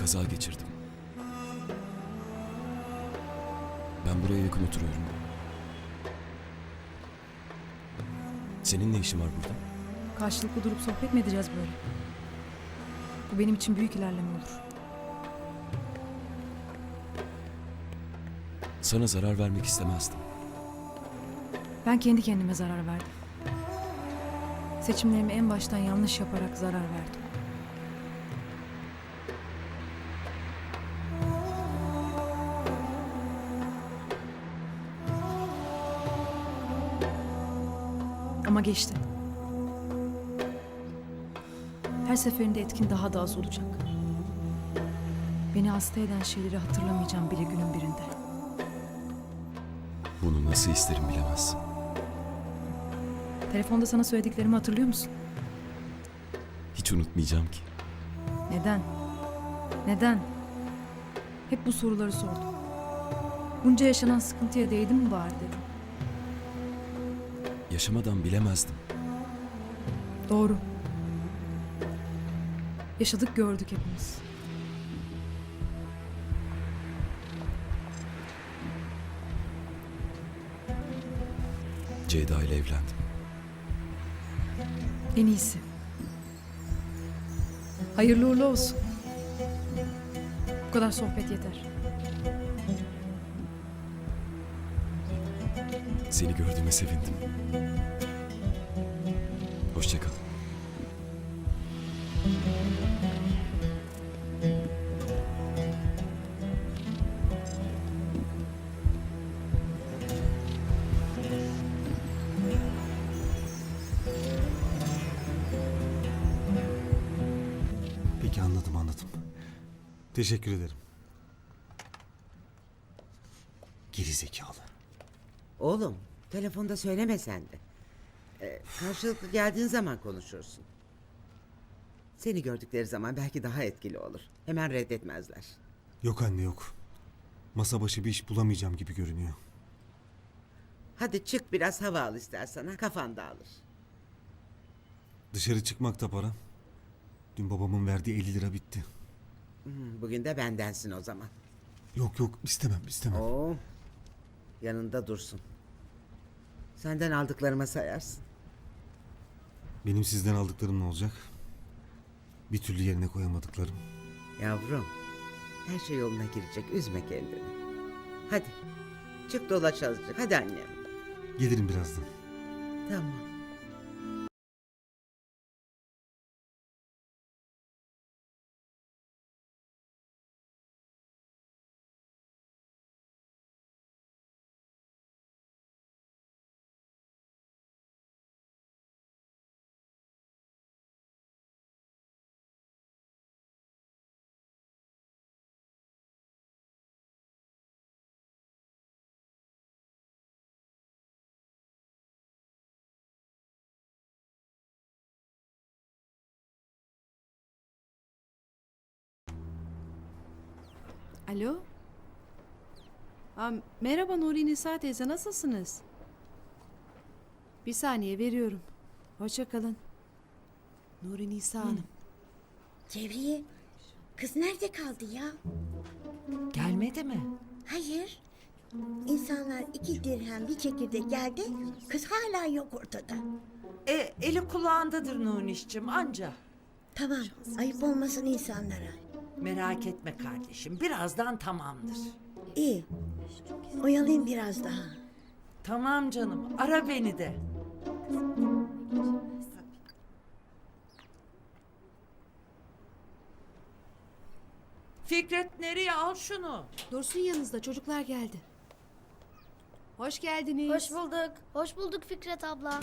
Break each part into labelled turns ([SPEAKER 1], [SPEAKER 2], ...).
[SPEAKER 1] Kaza geçirdim. Ben buraya yakın oturuyorum. Senin ne işin var burada?
[SPEAKER 2] Karşılıklı durup sohbet mi edeceğiz böyle? Bu benim için büyük ilerleme olur.
[SPEAKER 1] Sana zarar vermek istemezdim.
[SPEAKER 2] Ben kendi kendime zarar verdim. Seçimlerimi en baştan yanlış yaparak zarar verdim. Ama geçti. Her seferinde etkin daha da az olacak. Beni hasta eden şeyleri hatırlamayacağım bile günün birinde.
[SPEAKER 1] Bunu nasıl isterim bilemezsin.
[SPEAKER 2] Telefonda sana söylediklerimi hatırlıyor musun?
[SPEAKER 1] Hiç unutmayacağım ki.
[SPEAKER 2] Neden? Neden? Hep bu soruları sordum. Bunca yaşanan sıkıntıya değdi mi bari dedim.
[SPEAKER 1] Yaşamadan bilemezdim.
[SPEAKER 2] Doğru. Yaşadık gördük hepimiz.
[SPEAKER 1] Ceyda ile evlendim.
[SPEAKER 2] En iyisi. Hayırlı uğurlu olsun. Bu kadar sohbet yeter.
[SPEAKER 1] Seni gördüğüme sevindim. Hoşça kal.
[SPEAKER 3] Peki anladım. Teşekkür ederim. Geri zekalı.
[SPEAKER 4] Oğlum, telefonda söyleme sen de. Karşılıklı geldiğin zaman konuşursun. Seni gördükleri zaman belki daha etkili olur. Hemen reddetmezler.
[SPEAKER 3] Yok anne yok. Masa başı bir iş bulamayacağım gibi görünüyor.
[SPEAKER 4] Hadi çık biraz hava al istersen, ha, kafan dağılır.
[SPEAKER 3] Dışarı çıkmak da para. Dün babamın verdiği 50 lira bitti.
[SPEAKER 4] Bugün de bendensin o zaman.
[SPEAKER 3] Yok istemem.
[SPEAKER 4] Oo, yanında dursun. Senden aldıklarıma sayarsın.
[SPEAKER 3] Benim sizden aldıklarım ne olacak? Bir türlü yerine koyamadıklarım.
[SPEAKER 4] Yavrum, her şey yoluna girecek, üzme kendini. Hadi, çık dolaş azıcık, hadi annem.
[SPEAKER 3] Gelirim birazdan.
[SPEAKER 4] Tamam.
[SPEAKER 5] Alo? Merhaba Nuri Nisa teyze, nasılsınız? Bir saniye veriyorum. Hoşça kalın. Nuri Nisa Hanım.
[SPEAKER 6] Cevriye, kız nerede kaldı ya?
[SPEAKER 7] Gelmedi mi?
[SPEAKER 6] Hayır. İnsanlar 2 dirhem bir çekirdek geldi, kız hala yok ortada.
[SPEAKER 7] Eli kulağındadır Nuniş'cim anca.
[SPEAKER 6] Tamam, ayıp olmasın insanlara.
[SPEAKER 7] Merak etme kardeşim, birazdan tamamdır.
[SPEAKER 6] İyi, oyalayayım biraz daha.
[SPEAKER 7] Tamam canım, ara beni de. Fikret nereye, al şunu.
[SPEAKER 5] Dursun yanınızda, çocuklar geldi. Hoş geldiniz.
[SPEAKER 8] Hoş bulduk. Hoş bulduk Fikret abla.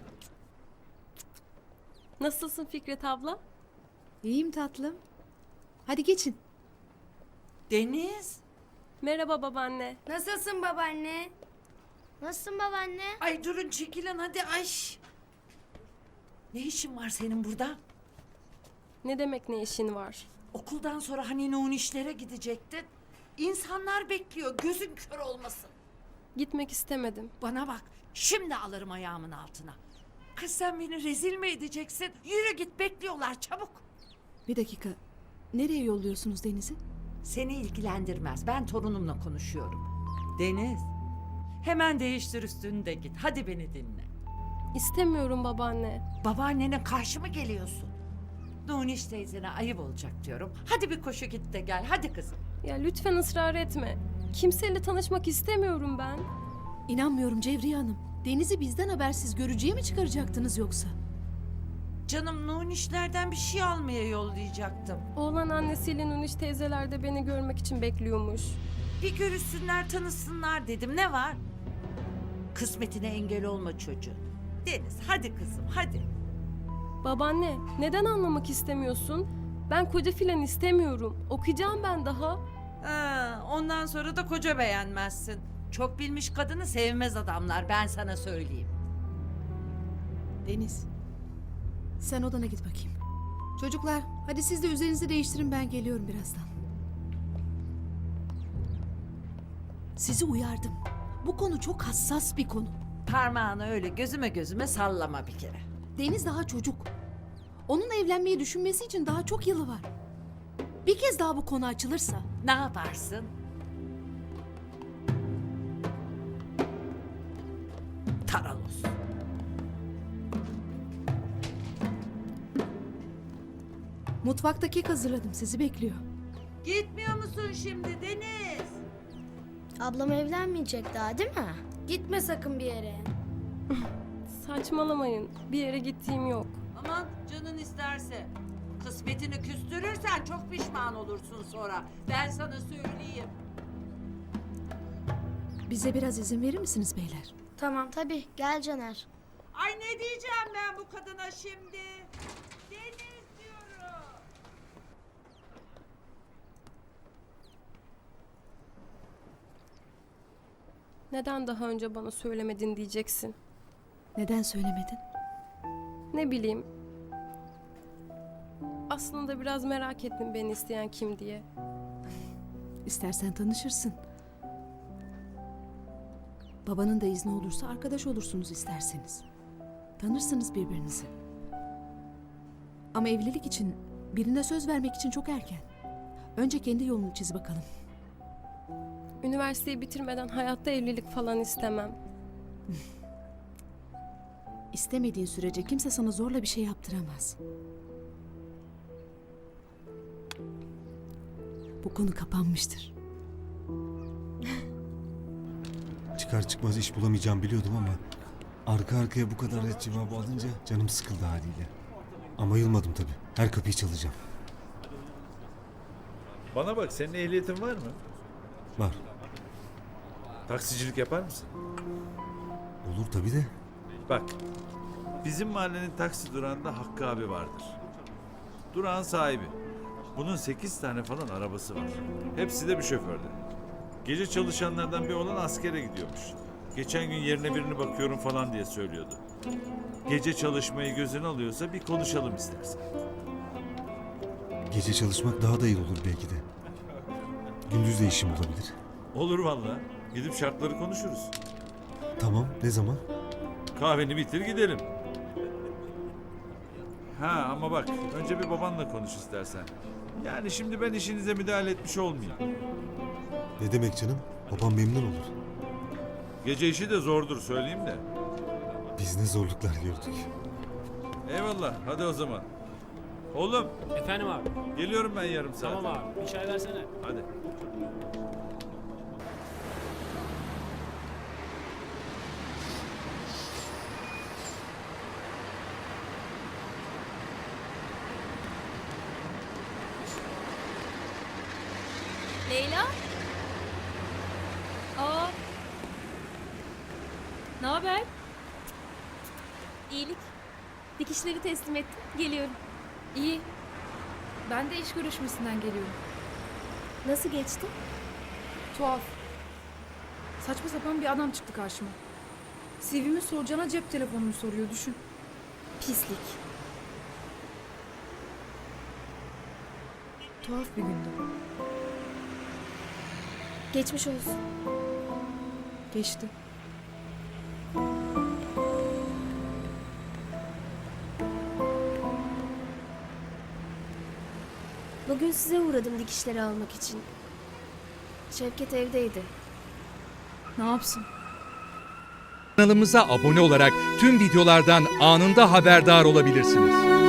[SPEAKER 9] Nasılsın Fikret abla?
[SPEAKER 5] İyiyim tatlım. Hadi geçin.
[SPEAKER 7] Deniz.
[SPEAKER 9] Merhaba babaanne.
[SPEAKER 8] Nasılsın babaanne? Nasılsın babaanne?
[SPEAKER 7] Ay durun çekilin hadi ay. Ne işin var senin burada?
[SPEAKER 9] Ne demek ne işin var?
[SPEAKER 7] Okuldan sonra hani Nunişlere gidecektin. İnsanlar bekliyor, gözün kör olmasın.
[SPEAKER 9] Gitmek istemedim.
[SPEAKER 7] Bana bak, şimdi alırım ayağımın altına. Kız sen beni rezil mi edeceksin? Yürü git, bekliyorlar çabuk.
[SPEAKER 5] Bir dakika. Nereye yolluyorsunuz Deniz'i?
[SPEAKER 7] Seni ilgilendirmez. Ben torunumla konuşuyorum. Deniz, hemen değiştir üstünü de git. Hadi beni dinle.
[SPEAKER 9] İstemiyorum babaanne.
[SPEAKER 7] Babaannene karşı mı geliyorsun? Nuniş teyzene ayıp olacak diyorum. Hadi bir koşu git de gel. Hadi kızım.
[SPEAKER 9] Ya lütfen ısrar etme. Kimseyle tanışmak istemiyorum ben.
[SPEAKER 5] İnanmıyorum Cevriye Hanım. Deniz'i bizden habersiz görücüye mi çıkaracaktınız yoksa?
[SPEAKER 7] Canım Nunişlerden bir şey almaya yollayacaktım.
[SPEAKER 9] Oğlan annesiyle Nuniş teyzeler de beni görmek için bekliyormuş.
[SPEAKER 7] Bir görüşsünler, tanışsınlar dedim. Ne var? Kısmetine engel olma çocuğun. Deniz, hadi kızım, hadi.
[SPEAKER 9] Babaanne, neden anlamak istemiyorsun? Ben koca filan istemiyorum. Okuyacağım ben daha.
[SPEAKER 7] Ondan sonra da koca beğenmezsin. Çok bilmiş kadını sevmez adamlar, ben sana söyleyeyim.
[SPEAKER 5] Deniz, sen odana git bakayım. Çocuklar, hadi siz de üzerinizi değiştirin, ben geliyorum birazdan. Sizi uyardım. Bu konu çok hassas bir konu.
[SPEAKER 7] Parmağını öyle gözüme sallama bir kere.
[SPEAKER 5] Deniz daha çocuk. Onun evlenmeyi düşünmesi için daha çok yılı var. Bir kez daha bu konu açılırsa...
[SPEAKER 7] Ne yaparsın? Taralos.
[SPEAKER 5] Mutfakta kek hazırladım, sizi bekliyor.
[SPEAKER 7] Gitmiyor musun şimdi Deniz?
[SPEAKER 8] Ablam evlenmeyecek daha değil mi? Gitme sakın bir yere.
[SPEAKER 9] Saçmalamayın. Bir yere gittiğim yok.
[SPEAKER 7] Aman canın isterse. Kısmetini küstürürsen çok pişman olursun sonra. Ben sana söyleyeyim.
[SPEAKER 5] Bize biraz izin verir misiniz beyler?
[SPEAKER 8] Tamam tabii gel Caner.
[SPEAKER 7] Ay ne diyeceğim ben bu kadına şimdi? Deniz diyorum.
[SPEAKER 9] Neden daha önce bana söylemedin diyeceksin.
[SPEAKER 5] Neden söylemedin?
[SPEAKER 9] Ne bileyim. Aslında biraz merak ettim beni isteyen kim diye.
[SPEAKER 5] İstersen tanışırsın. Babanın da izni olursa arkadaş olursunuz isterseniz. Tanırsınız birbirinizi. Ama evlilik için, birine söz vermek için çok erken. Önce kendi yolunu çiz bakalım.
[SPEAKER 9] Üniversiteyi bitirmeden hayatta evlilik falan istemem.
[SPEAKER 5] İstemediğin sürece kimse sana zorla bir şey yaptıramaz. Bu konu kapanmıştır.
[SPEAKER 3] Çıkar çıkmaz iş bulamayacağım biliyordum ama arka arkaya bu kadar ret cevabı alınca canım sıkıldı haliyle. Ama yılmadım tabii. Her kapıyı çalacağım.
[SPEAKER 10] Bana bak, senin ehliyetin var mı?
[SPEAKER 3] Var.
[SPEAKER 10] Taksicilik yapar mısın?
[SPEAKER 3] Olur tabii de.
[SPEAKER 10] Bak, bizim mahallenin taksi durağında Hakkı abi vardır. Durağın sahibi. Bunun 8 tane falan arabası var. Hepsi de bir şoförde. Gece çalışanlardan bir olan askere gidiyormuş. Geçen gün yerine birini bakıyorum falan diye söylüyordu. Gece çalışmayı gözüne alıyorsa bir konuşalım istersen.
[SPEAKER 3] Gece çalışmak daha da iyi olur belki de. Gündüz de işim olabilir.
[SPEAKER 10] Olur vallahi. Gidip şartları konuşuruz.
[SPEAKER 3] Tamam, ne zaman?
[SPEAKER 10] Kahveni bitir gidelim. Ha ama bak, önce bir babanla konuş istersen. Yani şimdi ben işinize müdahale etmiş olmayayım.
[SPEAKER 3] Ne demek canım? Babam memnun olur.
[SPEAKER 10] Gece işi de zordur söyleyeyim de.
[SPEAKER 3] Biz ne zorluklar gördük.
[SPEAKER 10] Eyvallah, hadi o zaman. Oğlum,
[SPEAKER 11] Efendim abi.
[SPEAKER 10] geliyorum ben yarım saat.
[SPEAKER 11] Tamam abi. Bir çay versene.
[SPEAKER 10] Hadi.
[SPEAKER 2] Leyla? Aa. Ne haber?
[SPEAKER 9] İyilik. Dikişleri teslim ettim. Geliyorum.
[SPEAKER 2] İyi. Ben de iş görüşmesinden geliyorum.
[SPEAKER 9] Nasıl geçti?
[SPEAKER 2] Tuhaf. Saçma sapan bir adam çıktı karşıma. CV'mi soracağına cep telefonumu soruyor, düşün.
[SPEAKER 9] Pislik.
[SPEAKER 2] Tuhaf bir gündü.
[SPEAKER 9] Geçmiş olsun.
[SPEAKER 2] Geçti.
[SPEAKER 9] Bugün size uğradım dikişleri almak için. Şevket evdeydi.
[SPEAKER 2] Ne yapsın?
[SPEAKER 11] Kanalımıza abone olarak tüm videolardan anında haberdar olabilirsiniz.